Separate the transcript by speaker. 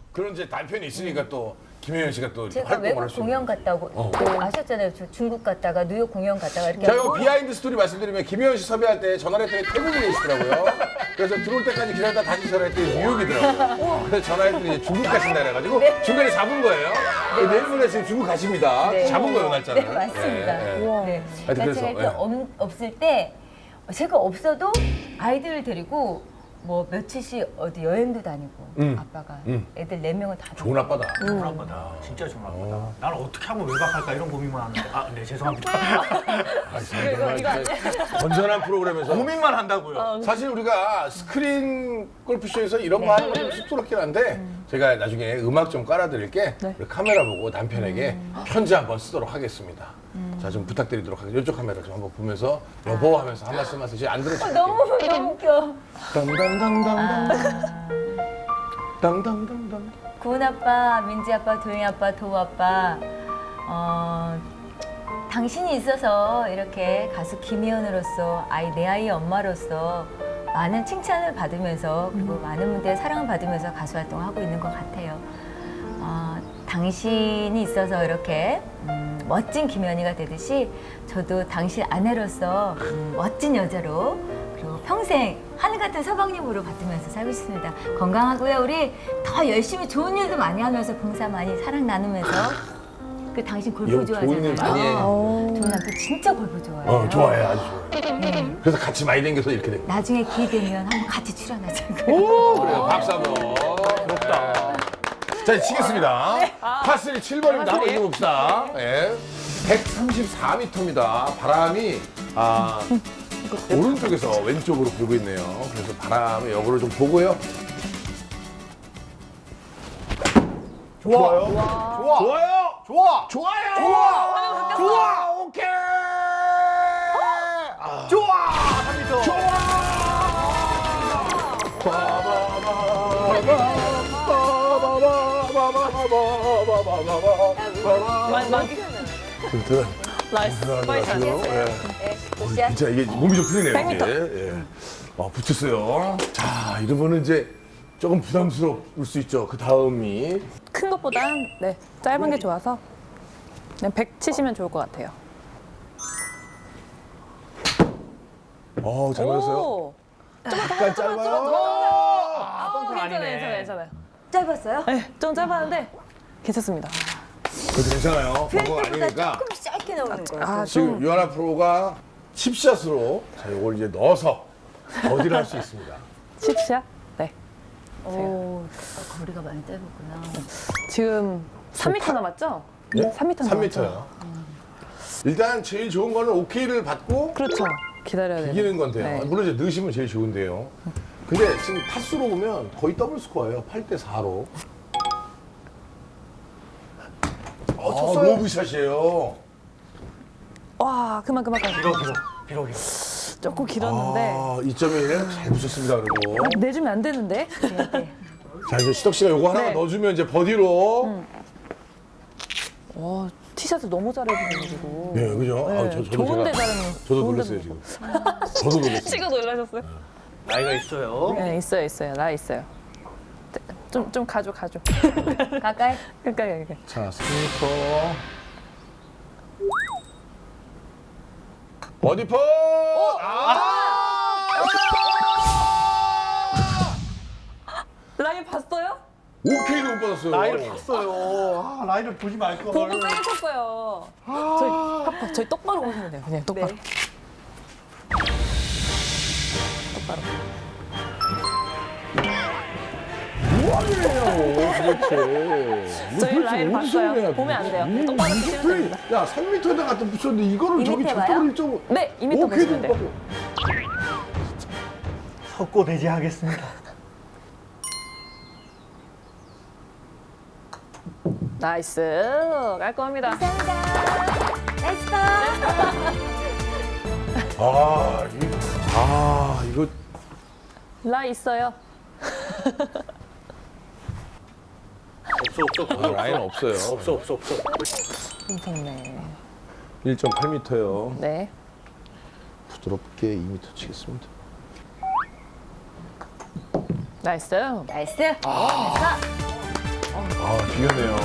Speaker 1: 그런 이제 남편이 있으니까 또 김혜연 씨가 또
Speaker 2: 제가
Speaker 1: 활동을
Speaker 2: 외국
Speaker 1: 할 수 있는.
Speaker 2: 공연 갔다고 아셨잖아요. 저 중국 갔다가 뉴욕 공연 갔다가 이렇게
Speaker 1: 자, 이거
Speaker 2: 하고
Speaker 1: 비하인드 스토리 말씀드리면 김혜연 씨 섭외할 때 전화를 했더니 태국에 계시더라고요. 그래서 들어올 때까지 기다렸다 다시 전화했더니 뉴욕이더라고요. 그래서 전화했더니 이제 중국 가신다 그래가지고 중간에 잡은 거예요. 내일 모레 지금 중국 가십니다.
Speaker 2: 네.
Speaker 1: 잡은 거예요, 날짜를.
Speaker 2: 네, 맞습니다.
Speaker 1: 예, 예.
Speaker 2: 네.
Speaker 1: 하여튼
Speaker 2: 그러니까
Speaker 1: 그래서,
Speaker 2: 제가
Speaker 1: 예.
Speaker 2: 없을 때 제가 없어도 아이들을 데리고 뭐 며칠씩 어디 여행도 다니고 아빠가 애들 4명을 다
Speaker 1: 좋은 아빠다.
Speaker 3: 좋은 아빠다. 진짜 좋은 아빠다. 나는 어떻게 하면 외박할까 이런 고민만 하는데. 아, 네, 죄송합니다.
Speaker 1: 아, 정말 이제 건전한 프로그램에서
Speaker 3: 고민만 한다고요.
Speaker 1: 사실 우리가 스크린 골프쇼에서 이런 거 하는 건 좀 쑥스럽긴 한데 제가 나중에 음악 좀 깔아드릴게 우리 카메라 보고 남편에게 편지 한번 쓰도록 하겠습니다. 자, 좀 부탁드리도록 하겠습니다. 이쪽 카메라 좀 한번 보면서 여보 하면서 한 말씀 하세요. 안 들으실게요.
Speaker 2: 너무 웃겨.
Speaker 1: 당당당당당 당당당당
Speaker 2: 구은 아빠, 민지 아빠, 도영이 아빠, 도우 아빠, 당신이 있어서 이렇게 가수 김희연으로서 내 아이의 엄마로서 많은 칭찬을 받으면서 그리고 많은 분들의 사랑을 받으면서 가수 활동을 하고 있는 것 같아요. 당신이 있어서 이렇게 멋진 김연희가 되듯이 저도 당신 아내로서 멋진 여자로 그리고 평생 하늘 같은 서방님으로 받으면서 살고 싶습니다. 건강하고요. 우리 더 열심히 좋은 일도 많이 하면서 봉사 많이 사랑 나누면서 그 당신 골프
Speaker 1: 이거
Speaker 2: 좋아하잖아요.
Speaker 1: 좋은 일 많이 해.
Speaker 2: 좋은 남편 진짜 골프 좋아해요.
Speaker 1: 좋아해, 아주 좋아해. 그래서 같이 많이 다녀서 이렇게 된 거야.
Speaker 2: 나중에 기회 되면 한번 같이 출연하자.
Speaker 1: 그래요, 박수 한번. 부럽다. 자, 이제 치겠습니다. 파3 7번입니다. 한번 읽어봅시다. 예. 134m입니다. 바람이 오른쪽에서 왼쪽으로 불고 있네요. 그래서 바람의 역으로 좀 보고요. 좋아요. 좋아. 좋아요. 좋아. 좋아요. 좋아. 좋아. 오케이.
Speaker 3: 좋아! 3m.
Speaker 4: 나이스. 빨리 잘.
Speaker 1: 진짜 이게 몸이 좀 풀리네요. 이게. 예. 붙였어요. 자, 이러면은 이제 조금 부담스러울 수 있죠. 그 다음이
Speaker 4: 큰 것보단 네 짧은 게 좋아서 그냥 100 치시면 좋을 것 같아요.
Speaker 1: 잘 맞았어요.
Speaker 4: 오.
Speaker 1: 약간 짧아요.
Speaker 4: 괜찮아요.
Speaker 2: 짧았어요?
Speaker 4: 네, 좀 짧았는데 괜찮습니다.
Speaker 1: 그래도 괜찮아요. 그거 아니니까.
Speaker 2: 조금 짧게 나오는 거예요.
Speaker 4: 아,
Speaker 1: 지금
Speaker 4: 좀
Speaker 1: 유하나 프로가 칩샷으로 자, 이걸 이제 넣어서 버디를 할 수 있습니다.
Speaker 4: 칩샷. 네.
Speaker 2: 오, 거리가 많이 짧았구나.
Speaker 4: 지금 3m 남았죠?
Speaker 1: 네?
Speaker 4: 3m
Speaker 1: 3m요. 일단 제일 좋은 거는 오케이를 받고
Speaker 4: 그렇죠. 기다려야 돼요.
Speaker 1: 이기는 건데요.
Speaker 4: 네.
Speaker 1: 물론 이제 넣으시면 제일 좋은데요. 근데 지금 타수로 보면 거의 더블 스코어예요. 8대 4로.
Speaker 3: 쳤어요.
Speaker 1: 로브샷이에요.
Speaker 4: 와, 그만.
Speaker 3: 길어.
Speaker 4: 조금 길었는데
Speaker 1: 2.1 잘 붙였습니다. 그리고
Speaker 4: 내주면 안 되는데.
Speaker 1: 자, 이제 시덕 씨가 요거 하나
Speaker 4: 네.
Speaker 1: 넣어주면 이제 버디로.
Speaker 4: 와, 티샷을 너무 잘해주셔가지고.
Speaker 1: 네, 그죠?
Speaker 4: 네,
Speaker 1: 저도
Speaker 4: 좋은데
Speaker 1: 제가-
Speaker 4: 잘하는.
Speaker 1: 저도 놀랐어요 지금. 저도 놀랐어요.
Speaker 4: 치고 놀라셨어요?
Speaker 3: 나이가 있어요.
Speaker 4: 네, 있어요. 나 있어요. 좀 가져.
Speaker 2: 가까이?
Speaker 4: 가까이.
Speaker 1: 자, 3m. 버디 퍼!
Speaker 4: 라인 봤어요?
Speaker 1: 오케이도 못 받았어요.
Speaker 3: 나이를 봤어요. 라인을 보지 말걸.
Speaker 4: 보고 세게 쳤어요. 저희 똑바로 보시면 돼요. 그냥 똑바로. 똑바로.
Speaker 1: 뭐하네요, 도대체.
Speaker 4: 저희 라인 봤어요. 보면 안 돼요. 똑바로 치시면 됩니다.
Speaker 1: 야, 3m에다 갖다 붙였는데 이거를 저기
Speaker 2: 2m
Speaker 1: 적당히 좀.
Speaker 4: 네, 2m 보시면 돼요.
Speaker 3: 석고대지 하겠습니다.
Speaker 4: 나이스. 깔끔합니다.
Speaker 2: 나이스 파!
Speaker 1: 이거.
Speaker 4: 라인 있어요.
Speaker 3: 없어.
Speaker 1: 라인 없어요.
Speaker 3: 없어.
Speaker 4: 괜찮네.
Speaker 1: 1.8m요.
Speaker 4: 네.
Speaker 1: 부드럽게 2m 치겠습니다.
Speaker 4: 나이스.
Speaker 2: 나이스! 나이스!
Speaker 1: 미안해요.